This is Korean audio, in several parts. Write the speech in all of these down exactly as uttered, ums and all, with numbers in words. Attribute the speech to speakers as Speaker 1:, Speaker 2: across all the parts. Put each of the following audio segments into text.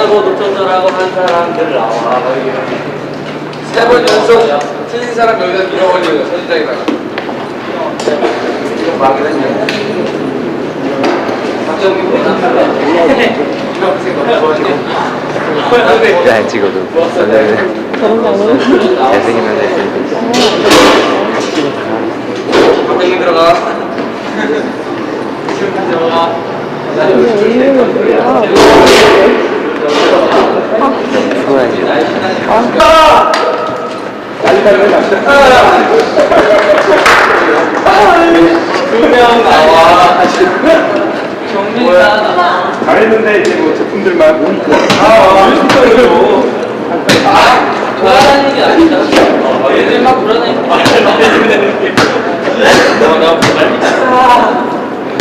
Speaker 1: 하고 놓쳤더라고 한 사람들 나와.
Speaker 2: 세 번 연속 틀린 사람 여기다 밀어버리는 선인장에다가. 이거 막이 했네. 박정기 뭐나
Speaker 3: 잘 찍어도 저는 잘생기면 됐습니다.
Speaker 2: 박정기 들어가.
Speaker 3: 수고하지.
Speaker 1: 두명 나와. 정민아.
Speaker 4: 잘했는데 이제 뭐 제품들만 모니터.
Speaker 1: 아, 뮤지컬로. 아, 돌아다니는 게 아니다. 얘들 막 돌아다니는 거 아니야? 나, 나, 아.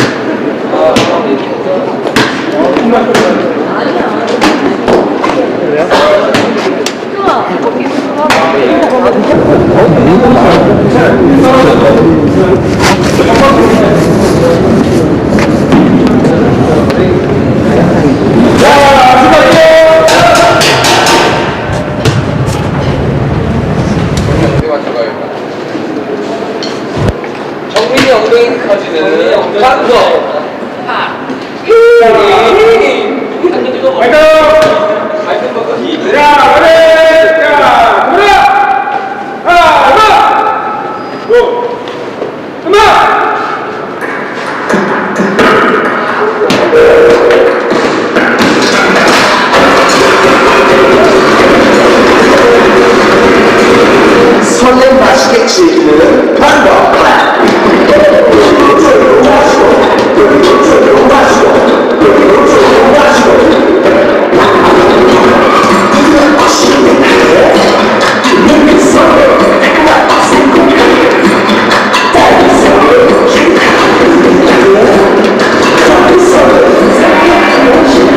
Speaker 2: 정민이 엉덩이 커지는 짱거.
Speaker 4: 자, 그래! 자, 돌아! 하나, 둘, 음악!
Speaker 5: 설렘 맛있게 즐기는 방법 조금 마시고 그리고 조금 마시고 그리고 조금 마시고 이건 맛있는 게 설렘 내가 맛있고 딸기 설렘 딸기 설렘 생각하는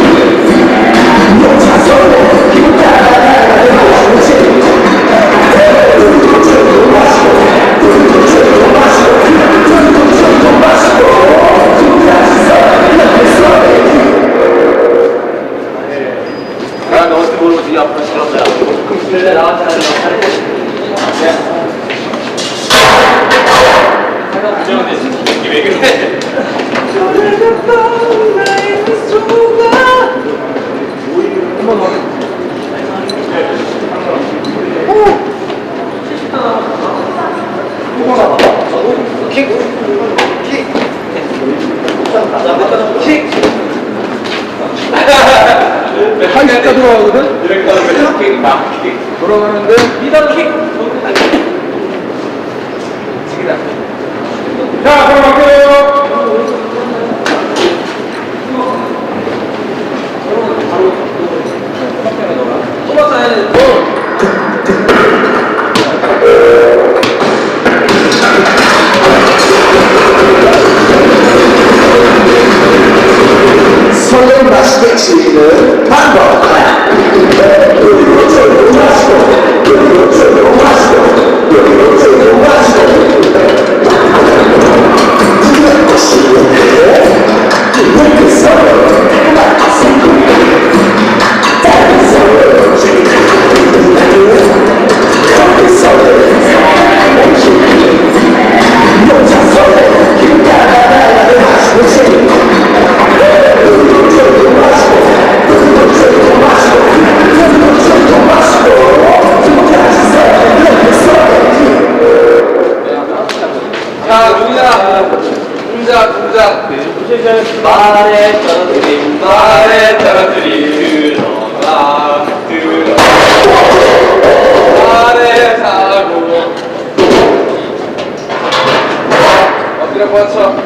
Speaker 5: 여자 설렘 기분 따라가는 맛있지
Speaker 2: 나 너한테 모르지 앞으로 싫었어요.
Speaker 1: 근데 나한테 하는
Speaker 2: 이게 왜 그래? 킥! 킥! 킥!
Speaker 4: 팔십자 들어가거든?
Speaker 2: 이렇게 하면 킥, 막 킥.
Speaker 4: 돌아가는데
Speaker 2: 미더 킥! 킥이다.
Speaker 4: 자, 들어갈게요.
Speaker 2: 토마스 해야 돼.
Speaker 5: 설렘 맛있게 즐기는 방법 그리고 조금 마시고 그리고 조금 마시고 그리고 조금 마시고 이건 맛있는 게 이렇게 설렘 내가 맛있고 딸기 설렘 커피 설렘 여자 설렘 기분 따라가는 맛있는
Speaker 2: 자, 동작. 동작, 동작.
Speaker 1: 말에 떨어뜨린
Speaker 2: 말에 떨어뜨리 들어가, 들어가. 말에 사고. 엎드려 뻗쳐.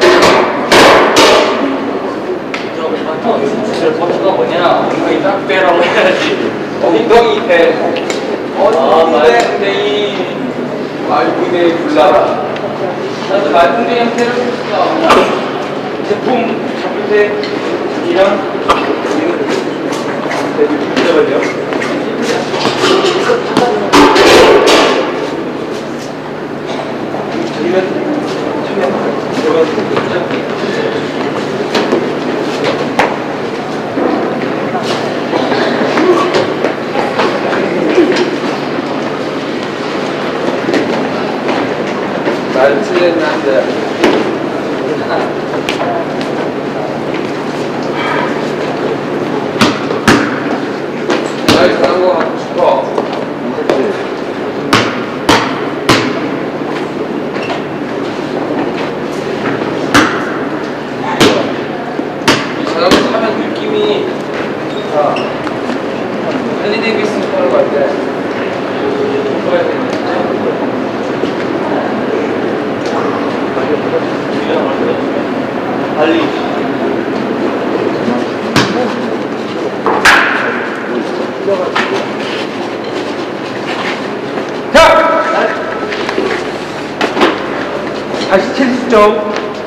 Speaker 1: 저 버터가 뭐냐? 엉덩이 딱 빼라고 해야지.
Speaker 2: 엉덩이 대.
Speaker 1: 아,
Speaker 2: 엉덩이 대.
Speaker 1: 말풍뎅이.
Speaker 2: 말풍뎅이 불나라.
Speaker 1: 나도 말풍뎅이 형태를 했어. 제품 잡을 때 이랑 잡아야
Speaker 2: 잘 치긴 한데. 나이 잘한 거 갖고 싶어. 이 자전거 타면 느낌이 좋다. 해리 데이비스 타러 갈 때.
Speaker 1: 달리.
Speaker 4: 자! 다시 칠십 점.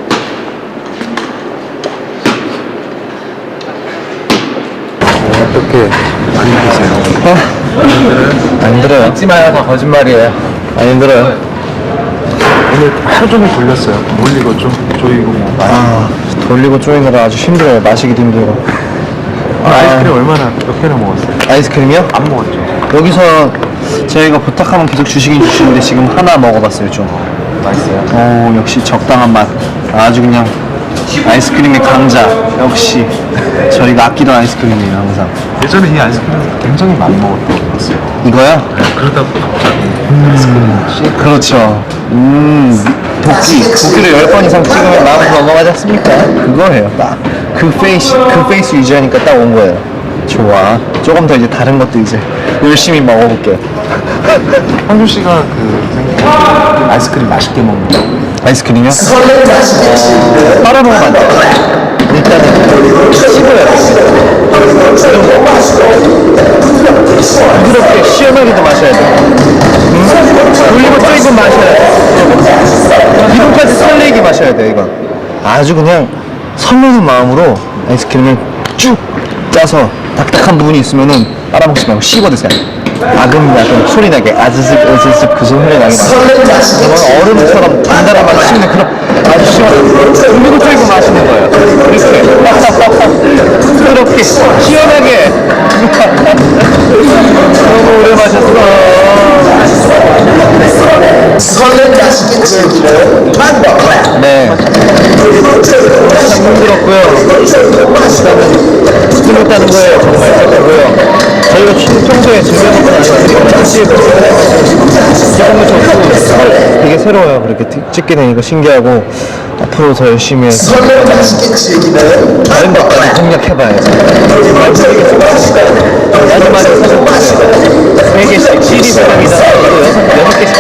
Speaker 3: 어떻게 안 힘드세요? 안 힘들어요. 믿지 마요. 다 거짓말이에요. 안 힘들어요.
Speaker 6: 오늘 하루 종일 돌렸어요. 몰리고 좀 조이고 뭐.
Speaker 3: 아, 돌리고 쪼이느라 아주 힘들어요. 마시기도 힘들고.
Speaker 6: 아, 아이스크림 얼마나 몇 개나 먹었어요?
Speaker 3: 아이스크림이요?
Speaker 6: 안 먹었죠.
Speaker 3: 여기서 저희가 부탁하면 계속 주시긴 주시는데 지금 하나 먹어봤어요. 좀
Speaker 6: 맛있어요.
Speaker 3: 오, 역시 적당한 맛. 아주 그냥 아이스크림의 강자. 역시 저희가 아끼던 아이스크림이에요. 항상
Speaker 6: 예전에 이 아이스크림 굉장히 많이 먹었다고 들었어요.
Speaker 3: 이거요?
Speaker 6: 네, 그러다가 갑자기 아이스크림
Speaker 3: 그렇죠. 음, 도끼. 도끼를 열 번 이상 찍으면 마음으로 넘어가지 않습니까? 그거예요. 딱. 그 페이스, 그 페이스 유지하니까 딱 온 거예요. 좋아. 조금 더 이제 다른 것도 이제 열심히 먹어볼게요.
Speaker 6: 황준 씨가 그 생각에 아이스크림 맛있게 먹는다고.
Speaker 3: 아이스크림이요? 어, 빨아먹으면 안 돼요. 일단은 씹어야 돼요. 부드럽게 시원하게도 마셔야 돼요. 음? 돌리고 쪼이고 마셔야 돼요. 기름까지 설레게 마셔야 돼요, 이건. 아주 그냥 설레는 마음으로 아이스크림을 쭉 짜서 딱딱한 부분이 있으면은 빨아먹지 말고 씹어 드세요. 아금야금 소리 나게 아즈슥 아즈슥 그 소리 나게 그러면 얼음처럼 단단한 맛을 씹는 그런 아주 시원한 돌리고 쪼이고 마시는 거예요. 이렇게 부드럽게 시원하게 너무 오래 마셨어. 네. 참 힘들었고요. 힘들었다는 거예요. 정말 힘들고요. 저희가 평소에 즐겨먹는 아이스크림 씨에프 기분도 좋고 되게 새로워요. 그렇게 찍게 되니까 신기하고 앞으로 더 열심히 해서 다른 것까지 공략해봐야지. 마지막에 사실 세 개씩 씨디 세 장이다 이거 여섯, 여섯 개씩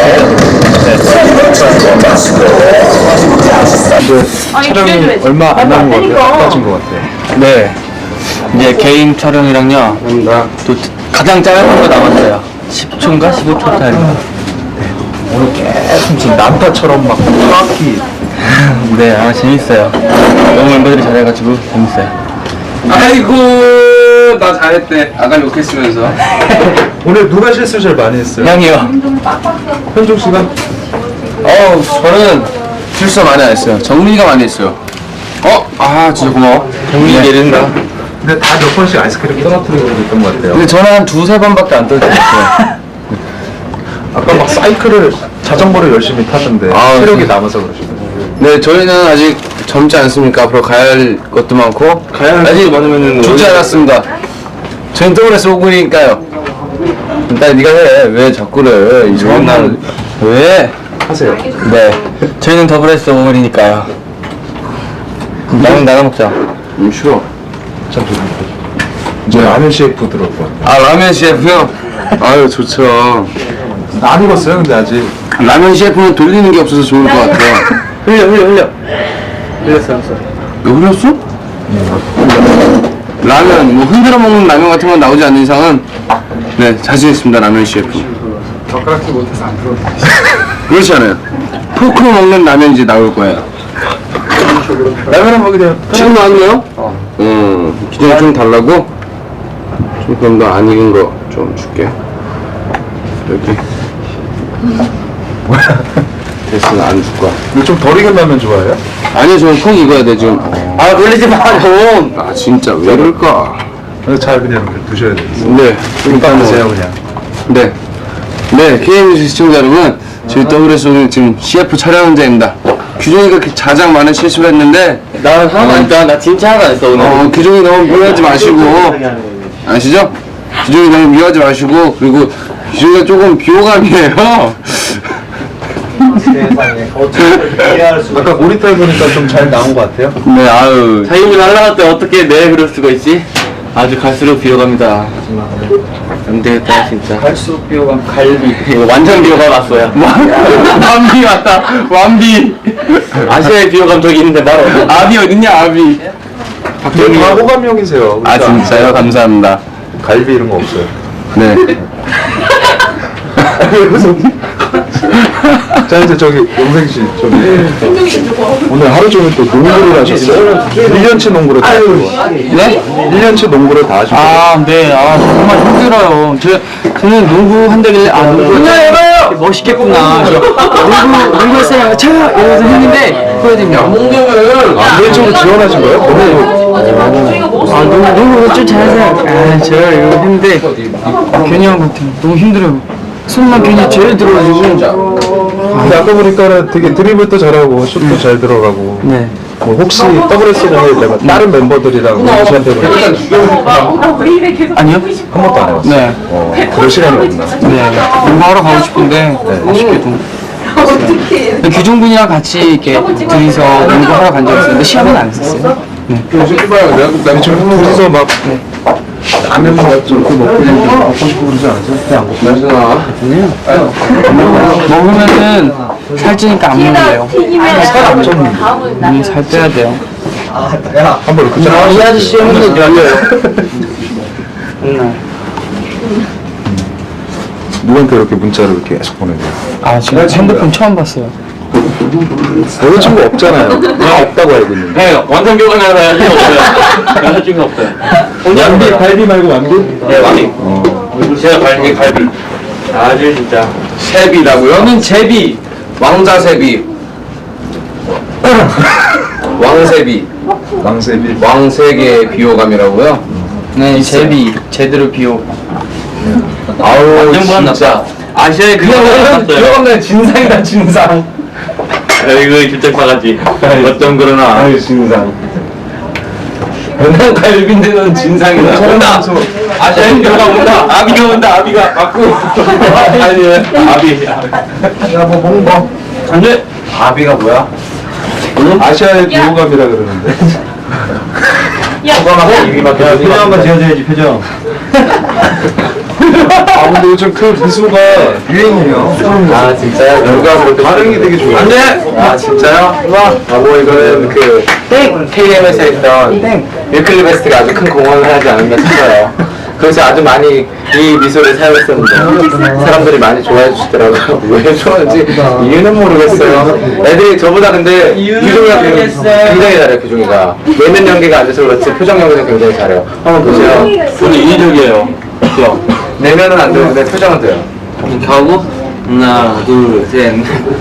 Speaker 6: 근데 촬영이 얼마 안 남은 것 같아요. 빠진 것 같아요.
Speaker 1: 네. 이제 개인 촬영이랑요. 또 가장 짧은 거 남았어요. 십 초인가 십오 초 타임.
Speaker 6: 오늘 계속 지금 난타처럼 막 정확히
Speaker 1: 네, 아 재밌어요. 너무 멤버들이 잘해가지고 재밌어요.
Speaker 2: 아이고, 나 잘했대. 아까 욕했으면서.
Speaker 6: 오늘 누가 실수 제일 많이 했어요?
Speaker 1: 형이요.
Speaker 6: 현종 씨가?
Speaker 2: 어, 저는 실수 많이 안 했어요. 정민이가 많이 했어요. 어? 아, 진짜 고마워. 정민이 내린다.
Speaker 6: 근데 다 몇 번씩 아이스크림 떨어뜨리고 그랬던 것 같아요.
Speaker 2: 근데 저는 한 두세 번밖에 안 떨어졌어요.
Speaker 6: 아까 막 사이클을 자전거를 열심히 타던데
Speaker 2: 아,
Speaker 6: 체력이
Speaker 2: 네.
Speaker 6: 남아서 그러시네요.
Speaker 2: 네, 저희는 아직 젊지 않습니까? 앞으로 가야 할 것도 많고.
Speaker 6: 가야 할
Speaker 2: 아직
Speaker 6: 것도 많으면은
Speaker 2: 죽지
Speaker 6: 원래-
Speaker 2: 않았습니다. 저희는 더블에스 오군이니까요. 일단 네가 해. 왜 자꾸 그래. 이 좋은 날. 왜?
Speaker 6: 하세요.
Speaker 1: 네. 저희는 더블에스 오븐이니까요. 라면 나눠 먹자.
Speaker 2: 음, 싫어.
Speaker 6: 잠시만요. 이제 라면 씨에프 들어올게요.
Speaker 2: 아, 라면 씨에프요? 아유, 좋죠.
Speaker 6: 안 익었어요, 근데 아직.
Speaker 2: 라면 씨에프는 돌리는 게 없어서 좋을 것 같아요.
Speaker 1: 흘려 흘려 흘려. 흘렸어 흘렸어.
Speaker 2: 너 흘렸어? 라면, 뭐 흔들어 먹는 라면 같은 건 나오지 않는 이상은 네, 자신있습니다, 라면 씨에프.
Speaker 6: 젓가락질 못해서 안 들어오네.
Speaker 2: 그렇지 않아요. 포크로 먹는 라면 이제 나올 거예요.
Speaker 6: 라면 한 먹이 돼요.
Speaker 2: 지금 나왔네요? 어. 음, 기존에 좀 달라고? 좀 그럼 너 안 익은 거 좀 줄게. 여기. 뭐야? 됐어, 안 줄 거야.
Speaker 6: 근데 좀 덜 익은 라면 좋아해요?
Speaker 2: 아니, 저는 콩 익어야 돼, 지금.
Speaker 1: 아 놀리지 마 좀.
Speaker 2: 아, 진짜, 왜 그럴까?
Speaker 6: 그래서 잘 그냥 두셔야 돼요.
Speaker 2: 네,
Speaker 6: 일단
Speaker 2: 뭐-
Speaker 6: 드세요, 그냥.
Speaker 2: 네. 네, 케이엠 시청자 여러분, 저희 더블에스 오늘 지금 씨에프 촬영 현장입니다. 규종이가 그 가장 많은 실수를 했는데
Speaker 1: 나 하나도 안 했다. 나 진짜 하나도 안 했어 오늘.
Speaker 2: 어, 규종이 너무 미워하지 마시고 아시죠? 규종이 너무 미워하지 마시고 그리고 규종이가 조금 비호감이에요.
Speaker 3: 아까 모니터 해보니까 좀 잘 나온 것 같아요.
Speaker 2: 네, 아유.
Speaker 1: 자기분이 날라갈 때 어떻게 내 그럴 수가 있지? 아주 갈수록 비호감이다. 안 되겠다 진짜.
Speaker 3: 갈수록 비호감.
Speaker 1: 갈비. 이거 완전 비호감 왔어요.
Speaker 2: 완비 왔다. 완비.
Speaker 1: 아시아의 비호감 저기 있는데 바로.
Speaker 2: 아비 어딨냐, 아비.
Speaker 3: 되게 다 호감형이세요.
Speaker 2: 아, 진짜요? 감사합니다.
Speaker 3: 갈비 이런 거 없어요.
Speaker 2: 네.
Speaker 3: 자 이제 저기 용생 씨 저기 오늘 하루 종일 또 농구를 하셨어요? 일 년치 농구를 다 하시고
Speaker 2: 네?
Speaker 3: 일 년치 농구를 다 하시고
Speaker 1: 아, 네. 아, 정말 힘들어요. 저, 저는 농구 한다길래, 아, 농구. 해봐요! 멋있겠구나. 농구, 농구 했어요. 쳐요! 이러면서 했는데, 후회됩니다.
Speaker 3: 네 쪽으로 지원하신 거예요? 너무
Speaker 1: 아, 농구, 농구 좀 잘하세요. 아, 저요. 이거 했는데, 괜히 한 것 같아요. 너무 힘들어요. 손만 괜히 제일 들어가지고.
Speaker 3: 근데 아까 보니까는 되게 드리블도 잘하고 슛도 잘 들어가고
Speaker 1: 네.
Speaker 3: 뭐 혹시 더블에스는 내가 다른 멤버들이랑 농구한테
Speaker 1: 아니요?
Speaker 3: 한 번도 안 해봤어요.
Speaker 1: 네.
Speaker 3: 어, 그럴 시간이 없나?
Speaker 1: 네. 농구하러 가고 싶은데, 아쉽게도. 근데 규종분이랑 같이 이렇게 둘이서 농구하러 간 적이 있었는데, 시합은 안 했었어요. 네.
Speaker 3: 지금 둘이서 막 라면 먹고 그 먹고 있는데 먹고 싶고 그러지 않으세요? 그냥 안 먹고
Speaker 1: 먹으면은 살찌니까 안 먹는데요.
Speaker 3: 살안 쪘는데
Speaker 1: 음, 살 빼야 돼요.
Speaker 3: 한번 이렇게 쫙
Speaker 1: 이 아저씨 형은 열려요. 맨날.
Speaker 3: 누구한테 이렇게 문자를 계속 보내세요?
Speaker 1: 아, 지금 핸드폰 처음 봤어요.
Speaker 3: 여자친구 없잖아요. 없다고 알고 있는데.
Speaker 1: 네, 완전 교감이 하나 여자친구 없어요. 여자친구 없어요.
Speaker 3: 완비, 갈비 말고 완비?
Speaker 1: 네, 완비. 제가 갈비, 갈비. 아주 진짜.
Speaker 2: 세비라고요?
Speaker 1: 저는 제비.
Speaker 2: 왕자 세비. 왕세비.
Speaker 3: 왕세비.
Speaker 2: 왕세계의 비호감이라고요?
Speaker 1: 네, 제비. 제대로 비호.
Speaker 2: 아우,
Speaker 1: 완전
Speaker 2: 진짜.
Speaker 1: 불안났다. 아시아의 그거는 봤어요.
Speaker 2: 비호감은 진상이다, 진상.
Speaker 1: 이거 진짜 바가지. 어쩜 그러나.
Speaker 2: 아유, 진상. 맨날 갈비인데는 진상이다. 온다! 아시아의 비호감 온다! 아비가 온다, 아비가. 맞고. 아니, 아비.
Speaker 3: 야, 뭐 먹는 거.
Speaker 2: 안 돼! 아비가 뭐야?
Speaker 3: 아시아의 비호감이라 그러는데.
Speaker 2: 호감하고 입이밖에 안
Speaker 3: 표정 한번 지어줘야지, 표정. 아, 근데 요즘 그 미소가 유행이에요.
Speaker 2: 아, 진짜요? 누가 그렇게
Speaker 3: 반응이 되게 좋아요.
Speaker 2: 안 돼! 아, 진짜요? 아, 뭐 이거는 그 케이엠에서 했던 윌클리 베스트가 아주 큰 공헌을 하지 않았나 싶어요. 그래서 아주 많이 이 미소를 사용했었는데 사람들이 많이 좋아해 주시더라고요. 왜 좋아하는지 이유는 모르겠어요. 애들이 저보다 근데 규종이가 굉장히 잘해요. 규종이가 내면 연기가 안 돼서 그렇지 표정 연기는 굉장히 잘해요. 한번 보세요.
Speaker 1: 저는 인위적이에요. 그죠?
Speaker 2: 내면은 안 되는데 표정은 돼요.
Speaker 1: 이렇게 하고, 하나, 둘, 셋.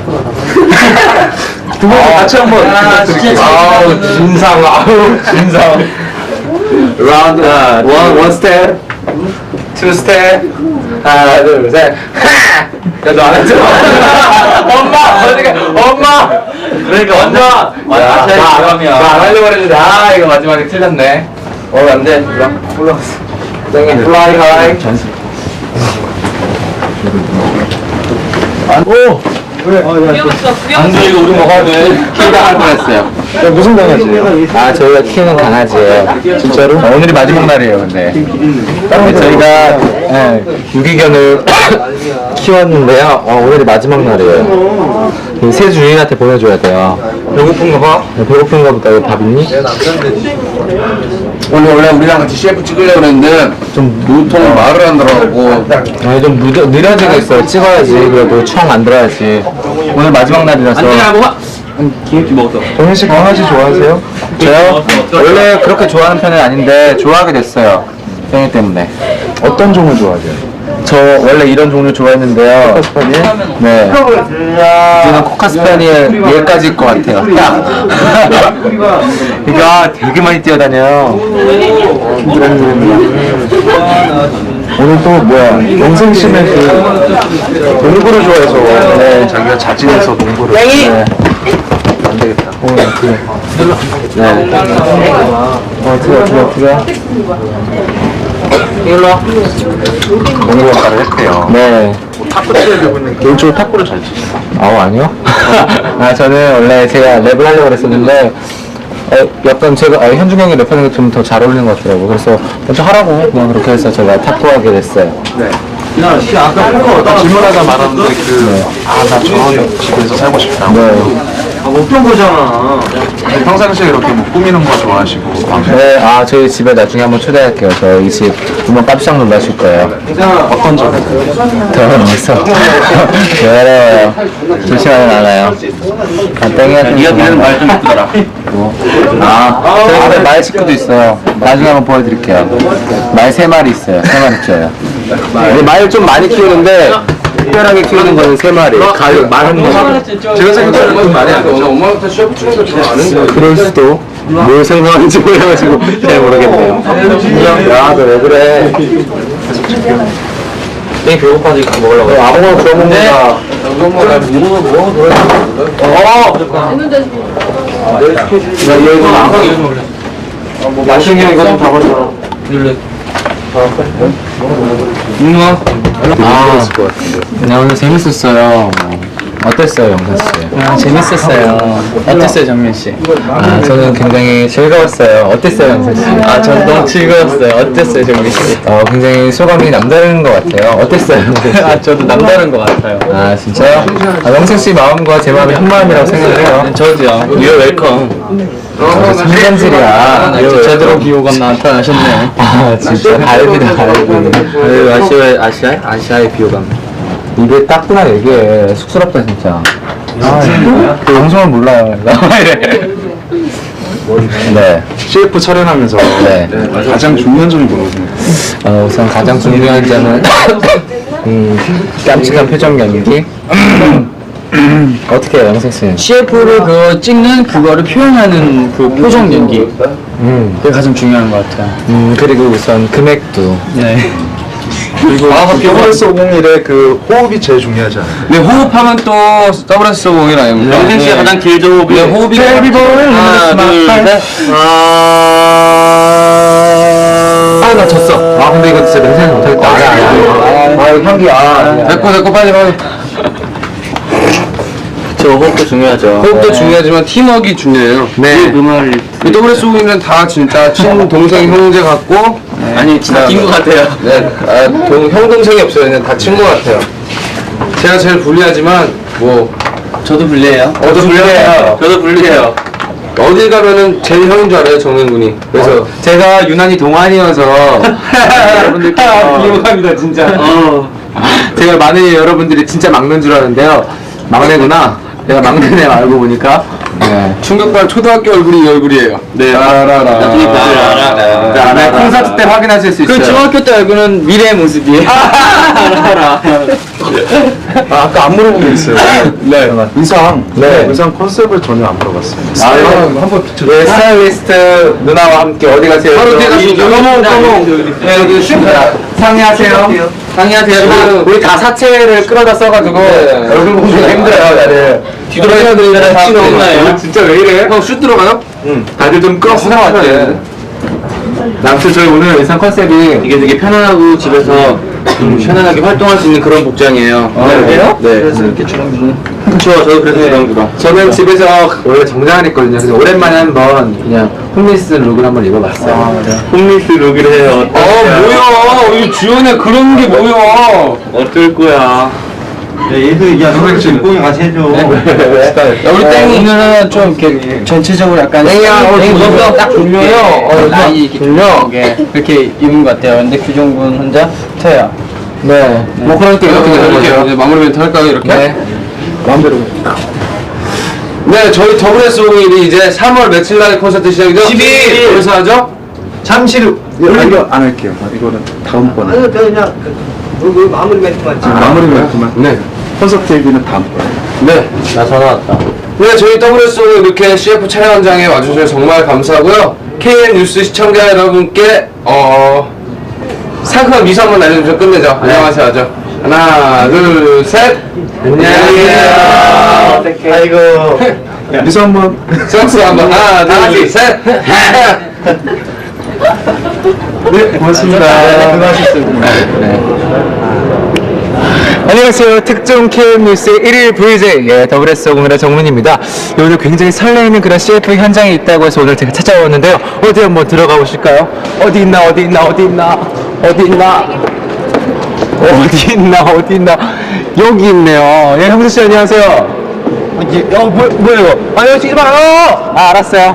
Speaker 3: 두 분 같이 한번 부탁드릴게요.
Speaker 2: 아우 진상 아우 진상. 라운드 원, 원 스텝, 투 스텝, 하나, 둘, 셋. 야, 너 안 했잖아. 엄마, 어디가, 엄마. 그러니까 완전, 야, 나안 하려고 그랬는데, 아, 이거 마지막에 틀렸네. 어, 안 돼. 올라, 올라갔어. 땡이, 플라이 하이.
Speaker 3: 오! 왜? 아, 야,
Speaker 1: 안 돼, 이거 우리 먹어야 돼.
Speaker 2: 키가 할 뻔했어요.
Speaker 3: 야, 무슨 강아지예요?
Speaker 2: 아, 저희가 키우는 강아지예요.
Speaker 3: 진짜로?
Speaker 2: 어, 오늘이 마지막 날이에요, 근데. 근데 저희가 예, 유기견을 키웠는데요. 어, 오늘이 마지막 날이에요. 이새 주인한테 보내줘야 돼요. 배고픈가 봐? 네, 배고픈가 보다. 여기 밥 있니? 오늘 원래 우리랑 같이 씨에프 찍으려고 그랬는데 좀 무통 말을 안 들어가고 아니 좀 느려, 느려지고 있어요. 찍어야지. 그래도 청 안 들어야지. 오늘 마지막 날이라서.
Speaker 1: 안 돼, 뭐, 기획기 먹었어.
Speaker 3: 정현 씨 강아지 좋아하세요?
Speaker 2: 저요? 원래 그렇게 좋아하는 편은 아닌데 좋아하게 됐어요. 땡이 때문에.
Speaker 3: 어떤 종을 좋아하세요?
Speaker 2: 저 원래 이런 종류 좋아했는데요.
Speaker 3: 코카스파니엘?
Speaker 2: 네. 이제는 코카스파니엘 얘까지 일 것 같아요. 이거 되게 많이 뛰어다녀요.
Speaker 3: 오늘 또 뭐야 영생 씨는 그 농구를 좋아해서 네.
Speaker 6: 자기가 자진해서 농구를.
Speaker 3: 네.
Speaker 6: 안 되겠다.
Speaker 3: 오, 그래. 네. 어, 들어, 들어, 들어. 일로 와.
Speaker 6: 농구 역할을 했대요.
Speaker 3: 네.
Speaker 6: 탁구 치려고 했는데 개인적으로 탁구를 잘 치시죠.
Speaker 3: 아우, 아니요. 아, 저는 원래 제가 랩을 하려고 그랬었는데, 어, 약간 제가, 아, 현중 형이 랩하는 게 좀 더 잘 어울리는 것 같더라고요. 그래서 먼저 하라고 그냥 그렇게 해서 제가 탁구하게 됐어요.
Speaker 6: 네. 아까 질문하다 말았는데 그 아 나 저런 집에서 살고 싶다.
Speaker 3: 네.
Speaker 1: 어떤 거잖아.
Speaker 6: 평상시에 이렇게 뭐 꾸미는 거 좋아하시고 방송
Speaker 3: 네, 아, 저희 집에 나중에 한번 초대할게요. 저희 집 보면 깜짝 놀라실 거예요.
Speaker 6: 어떤 점에서?
Speaker 3: 더러워서. 왜 어려워요? 조심하면 알아요. 아, 땡이야.
Speaker 1: 네가 그래는 말좀 예쁘더라.
Speaker 3: 뭐? 아, 저희 집에 말 식구도 있어요. 나중에 한번 보여드릴게요. 말 세 마리 있어요. 세 마리 키워요. 말 좀 많이 키우는데, 특별하게 키우는 거는 세 마리. 가요, 말은 뭐.
Speaker 6: 제가 생각하는 건 말이 안 되죠.
Speaker 1: 엄마한테 셰프 추는 거 좋아하는 거.
Speaker 3: 그럴 수도. 뭘 생각하는지 몰라가지고 잘 모르겠네요. 야, 너 왜 그래?
Speaker 1: 되게 배고파서 이거 먹으려고.
Speaker 3: 너 아무거나 구워 먹는다.
Speaker 1: 엄마 나 뭐, 뭐, 뭐,
Speaker 3: 어! 나 이거 안 먹어. 맛있는 게 이거 좀 잡아줘.
Speaker 1: 눌러. 누나?
Speaker 3: 아, 네, 오늘 재밌었어요. 어땠어요, 영선 씨?
Speaker 1: 아, 재밌었어요. 어땠어요, 정민 씨?
Speaker 3: 아, 저는 굉장히 즐거웠어요. 어땠어요, 영선 씨?
Speaker 1: 아, 전 너무 즐거웠어요. 어땠어요, 정민 씨?
Speaker 3: 어, 굉장히 소감이 남다른 것 같아요. 어땠어요, 영선 씨?
Speaker 1: 아, 저도 남다른 것 같아요.
Speaker 3: 아, 진짜요? 아, 영선 씨 마음과 제 마음이 한 마음이라고 생각을 해요.
Speaker 1: 저도요. You're welcome.
Speaker 3: 아, 성견질이야.
Speaker 1: 아, 나 제대로 비호감 나타나셨네.
Speaker 3: 아, 진짜 갈비다, 갈비.
Speaker 1: 아유, 아시아의, 아시아? 아시아의 비호감.
Speaker 3: 입에 닦구나 얘기해. 쑥스럽다, 진짜. 아, 그 방송을 몰라요. 이래. 네.
Speaker 6: 씨에프 촬영하면서
Speaker 3: 네.
Speaker 6: 가장 중요한 점이 뭐거든요?
Speaker 3: 어, 우선 가장 중요한 점은 음, 깜찍한 표정 연기. 어떻게 해요, 영생 씨는?
Speaker 1: 씨에프를 그 찍는 그거를 표현하는 그 표정 연기.
Speaker 3: 음,
Speaker 1: 그게 가장 중요한 것 같아요.
Speaker 3: 음, 그리고 우선 금액도.
Speaker 1: 네.
Speaker 6: 그리고
Speaker 1: 아,
Speaker 6: 더블에스 오공일의 그 호흡이 제일 중요하지 않아요?
Speaker 1: 네, 호흡하면 또 더블에스 공일 아닙니까? 영생 씨가 가장 길죠, 호흡이. 네, 호흡이. 하나, 둘, 셋.
Speaker 3: 아, 나 졌어. 아, 근데 이거 진짜 냄새는 못하겠다. 아, 아, 아, 아, 이거 향기, 아.
Speaker 1: 됐고, 됐고, 빨리, 빨리. 저 호흡도 중요하죠.
Speaker 7: 호흡도 중요하지만 팀워크가 중요해요.
Speaker 3: 네.
Speaker 1: 그 말을.
Speaker 7: 이 더블에스 오공일은 다 진짜 친동생 형제 같고
Speaker 1: 아니, 진짜 낀 것 같아요.
Speaker 7: 네, 아, 동, 형 동생이 없어요. 그냥 다 친구 같아요. 제가 제일 불리하지만 뭐
Speaker 1: 저도 불리해요.
Speaker 7: 저도 불리해요.
Speaker 1: 저도 불리해요.
Speaker 7: 어딜 가면은 제일 형인 줄 알아요, 정민 군이. 그래서
Speaker 3: 제가 유난히 동안이어서 여러분들께
Speaker 1: 비호감이다, 진짜. 어.
Speaker 3: 제가 많은 여러분들이 진짜 막는 줄 아는데요. 막내구나. 내가 막내네 알고 보니까. 네.
Speaker 7: 충격받은 초등학교 얼굴이 이 얼굴이에요.
Speaker 1: 네.
Speaker 7: 라라라.
Speaker 3: 자, 네, 콘서트 때 확인하실 수 있어요.
Speaker 1: 그 중학교 때 알고는 미래의 모습이에요. 알아.
Speaker 6: 아, 아까 안 물어본 게 있어요.
Speaker 3: 네.
Speaker 6: 의상.
Speaker 3: 네.
Speaker 6: 의상 컨셉을 전혀 안 물어봤어요.
Speaker 3: 아, 형, 한번 네, 스타일리스트 누나와 함께 어디 가세요?
Speaker 7: 바로 뒤에 가시죠.
Speaker 3: 너무 너무 네, 여기 상의하세요. 상의하세요. 우리 다 사체를 끌어다 써가지고 얼굴 보기가 힘들어요, 다들.
Speaker 1: 뒤돌아야 되는
Speaker 3: 다
Speaker 1: 찍었나요?
Speaker 3: 진짜 왜 이래?
Speaker 7: 형 슛 들어가요?
Speaker 3: 응. 다들 좀 끌어 쓰는 것
Speaker 7: 네.
Speaker 3: 같아. 아무튼 저희 오늘 의상 컨셉이
Speaker 1: 이게 되게 편안하고 집에서 좀 편안하게 활동할 수 있는 그런 복장이에요.
Speaker 3: 아, 그래요?
Speaker 1: 네. 그래서 이렇게 주렁주렁. 그쵸, 저도 그래서 주렁주렁.
Speaker 3: 저는 집에서 원래 정장을 입거든요. 그래서 오랜만에 한번 그냥 홈리스 룩을 한번 입어봤어요. 아,
Speaker 1: 홈리스 룩을 해요.
Speaker 7: 어, 뭐야. 이 주연에 그런 게 뭐야.
Speaker 1: 어떨 거야.
Speaker 3: 야, 너가 지금 뽕이 같이 해줘.
Speaker 1: 야, 우리 땡이 오늘은 좀 이렇게 전체적으로 약간
Speaker 3: 땡이야, 어,
Speaker 1: 땡이
Speaker 3: 무섭다.
Speaker 1: 무섭다.
Speaker 3: 딱 졸려요. 어,
Speaker 1: 많이 이렇게
Speaker 3: 졸려.
Speaker 1: 게 이렇게 입은 것 같아요. 근데 규종군 혼자 터야.
Speaker 3: 네. 뭐 그러니까 이렇게 되는
Speaker 7: 이렇게
Speaker 3: 거죠.
Speaker 7: 이제 마무리 멘트 할까요, 이렇게?
Speaker 3: 네. 마음대로.
Speaker 7: 네, 저희 더블에스 오공일이 이제 삼월 며칠 날 콘서트 시작이죠?
Speaker 3: 십이 일.
Speaker 7: 어디서 하죠?
Speaker 6: 잠시로. 이거 안 할게요. 이거는 다음번에.
Speaker 5: 아니요, 저 그냥 그, 그 마무리 멘트만 지금.
Speaker 6: 마무리 멘트만.
Speaker 7: 네.
Speaker 6: 콘서트 얘기는 다음번에.
Speaker 7: 네.
Speaker 1: 나 전화 왔다.
Speaker 7: 네, 저희 더블에스 오공일 이렇게 씨에프 촬영 현장에 와주셔서 정말 감사하고요. 케이엔 뉴스 시청자 여러분께, 어, 상큼한 미소 한번 날려주면 끝내죠. 안녕하세요 하죠. 하나 둘 셋. 안녕하세요.
Speaker 3: 아이고.
Speaker 6: 미소 한번.
Speaker 7: 수학수 한번 하나 둘 셋.
Speaker 6: 네, 고맙습니다.
Speaker 3: 수고하셨습니다.
Speaker 2: 안녕하세요. 특종 케이엠 뉴스의 일일 브이제이 예, 더블에스 오공일의 정문입니다. 예, 오늘 굉장히 설레이는 그런 씨에프 현장에 있다고 해서 오늘 제가 찾아왔는데요. 어디 한번 들어가 보실까요? 어디 있나 어디 있나 어디 있나 어디 있나 어디 있나 어디 있나 여기 있네요. 예, 형수 씨 안녕하세요.
Speaker 3: 어, 뭐, 뭐예요? 아, 여기 찍지 마요!
Speaker 2: 아, 알았어요.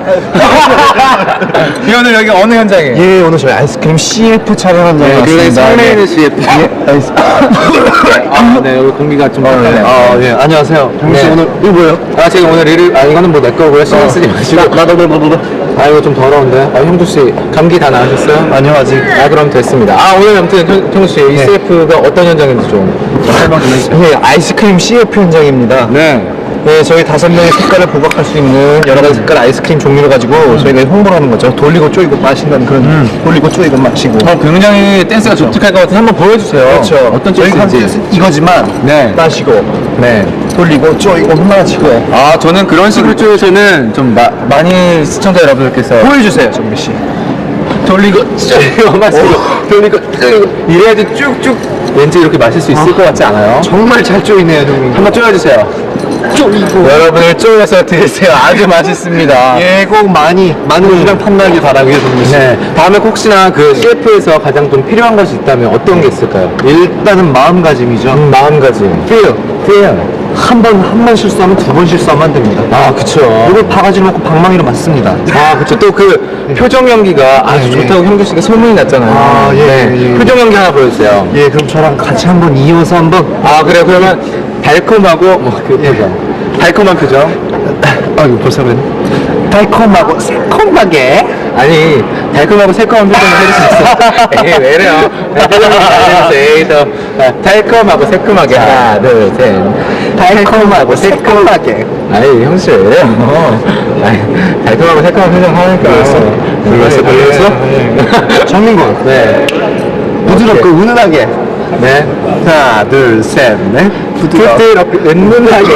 Speaker 2: 예, 오늘 여기 어느 현장이에요?
Speaker 3: 예, 오늘 저희 아이스크림 씨에프 촬영 현장에
Speaker 2: 네, 굉장히
Speaker 3: 왔습니다.
Speaker 2: 설레이는 씨에프.
Speaker 3: 예, 알겠습니다.
Speaker 2: 아, 네, 여기 공기가 좀 막히네요.
Speaker 3: 아, 예, 안녕하세요. 형씨
Speaker 2: 네.
Speaker 3: 오늘 이거 뭐예요?
Speaker 2: 아, 제가 오늘 일을, 아, 이거는 뭐 내 거고요. 신경 쓰지 마시고.
Speaker 3: 나도, 나도, 나도.
Speaker 2: 아, 이거 좀 더러운데. 아, 형주 씨, 감기 다 나으셨어요?
Speaker 3: 아니요, 아직.
Speaker 2: 아, 그럼 됐습니다. 아, 오늘 아무튼 형, 형주 씨, 이 씨에프가 어떤 현장인지 좀 설명 좀 해주세요.
Speaker 3: 네, 아이스크림 씨에프 현장입니다.
Speaker 2: 네.
Speaker 3: 네, 저희 다섯 명의 색깔을 부각할 수 있는 여러 가지 색깔 아이스크림 종류를 가지고 저희가 홍보를 하는 거죠. 돌리고 쪼이고 마신다는 그런 돌리고 쪼이고 마시고.
Speaker 2: 어, 굉장히 댄스가 독특할 것 같아서 한번 보여주세요.
Speaker 3: 그렇죠.
Speaker 2: 어떤
Speaker 3: 저희가
Speaker 2: 댄스인지.
Speaker 3: 하는 이거지만
Speaker 2: 네.
Speaker 3: 마시고
Speaker 2: 네.
Speaker 3: 돌리고 쪼이고 마시고.
Speaker 2: 아, 저는 그런 식으로 쪽에서는 좀 마, 많이 시청자 여러분들께서
Speaker 3: 보여주세요, 정미 씨.
Speaker 2: 돌리고 쪼이고 마시고 돌리고 쪼이고 이래야지 쭉쭉 왠지 이렇게 마실 수 있을 것 같지 않아요?
Speaker 3: 정말 잘 쪼이네요, 형님.
Speaker 2: 한번 쪼여주세요.
Speaker 3: 쪼이고.
Speaker 2: 여러분을 쪼여서 드세요. 아주 맛있습니다.
Speaker 3: 예, 꼭 많이 많은 분이랑 탐나길 바라고요, 정미 씨.
Speaker 2: 네. 다음에 혹시나 그 씨에프에서 가장 좀 필요한 것이 있다면 어떤 게 있을까요?
Speaker 3: 일단은 마음가짐이죠.
Speaker 2: 음, 마음가짐.
Speaker 3: feel.
Speaker 2: feel.
Speaker 3: 한 번, 한 번 실수하면 두 번 실수하면 안 됩니다.
Speaker 2: 아, 그쵸.
Speaker 3: 이걸 바가지 놓고 방망이로 맞습니다.
Speaker 2: 아, 그쵸. 또 그 표정 연기가 아주
Speaker 3: 예.
Speaker 2: 좋다고 형주 씨가 소문이 났잖아요.
Speaker 3: 아, 예,
Speaker 2: 네.
Speaker 3: 예, 예.
Speaker 2: 표정 연기 하나 보여주세요.
Speaker 3: 예, 그럼 저랑 같이 한번 이어서 한번.
Speaker 2: 아, 그래요. 그러면 달콤하고, 뭐, 그 표정. 달콤한 표정.
Speaker 3: 아, 이거 벌써 그랬네. 달콤하고 새콤하게.
Speaker 2: 아니, 달콤하고 새콤한 표정을 해줄 수 있어. 에이, 왜 이래요? 네, 표정 연기 잘해주세요. 에이, 더. 아, 달콤하고 새콤하게. 하나, 둘, 셋.
Speaker 3: 달콤하고 새콤하게.
Speaker 2: 아니, 형씨 왜 이래요? 아니, 달콤하고 새콤한 표정 하니까. 불렀어? 불렀어?
Speaker 3: 정민군.
Speaker 2: 네.
Speaker 3: 부드럽고 은은하게.
Speaker 2: 네.
Speaker 3: 하나, 둘, 셋, 넷. 부드럽고.
Speaker 2: 부드럽게, 은은하게.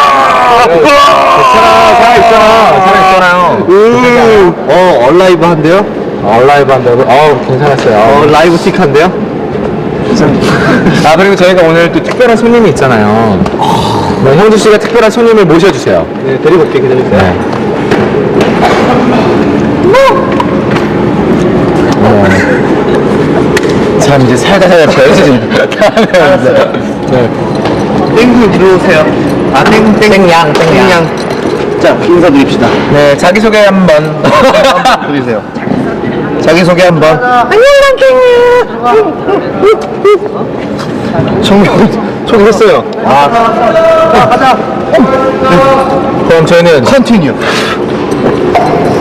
Speaker 2: 괜찮아, 살아있잖아. 살아있잖아요.
Speaker 3: 음. 어, 얼라이브 한데요?
Speaker 2: 얼라이브 한다고? 어우, 괜찮았어요.
Speaker 3: 어, 라이브 틱한데요?
Speaker 2: 아, 그리고 저희가 오늘 또 특별한 손님이 있잖아요. 네, 형주 씨가 특별한 손님을 모셔주세요.
Speaker 3: 네, 데리고 올게, 기다리세요.
Speaker 2: 네.
Speaker 3: 참, 이제 살다 살다 배워지네.
Speaker 2: 네.
Speaker 3: 땡구 들어오세요. 아, 땡, 땡.
Speaker 2: 땡양, 땡양.
Speaker 3: 자, 인사드립시다.
Speaker 2: 네, 자기소개 한 번.
Speaker 3: 드리세요. 자기소개 한 번.
Speaker 2: 안녕,
Speaker 3: 정명, 소개했어요.
Speaker 2: 아, 가자. 그럼 저희는
Speaker 3: 컨티뉴.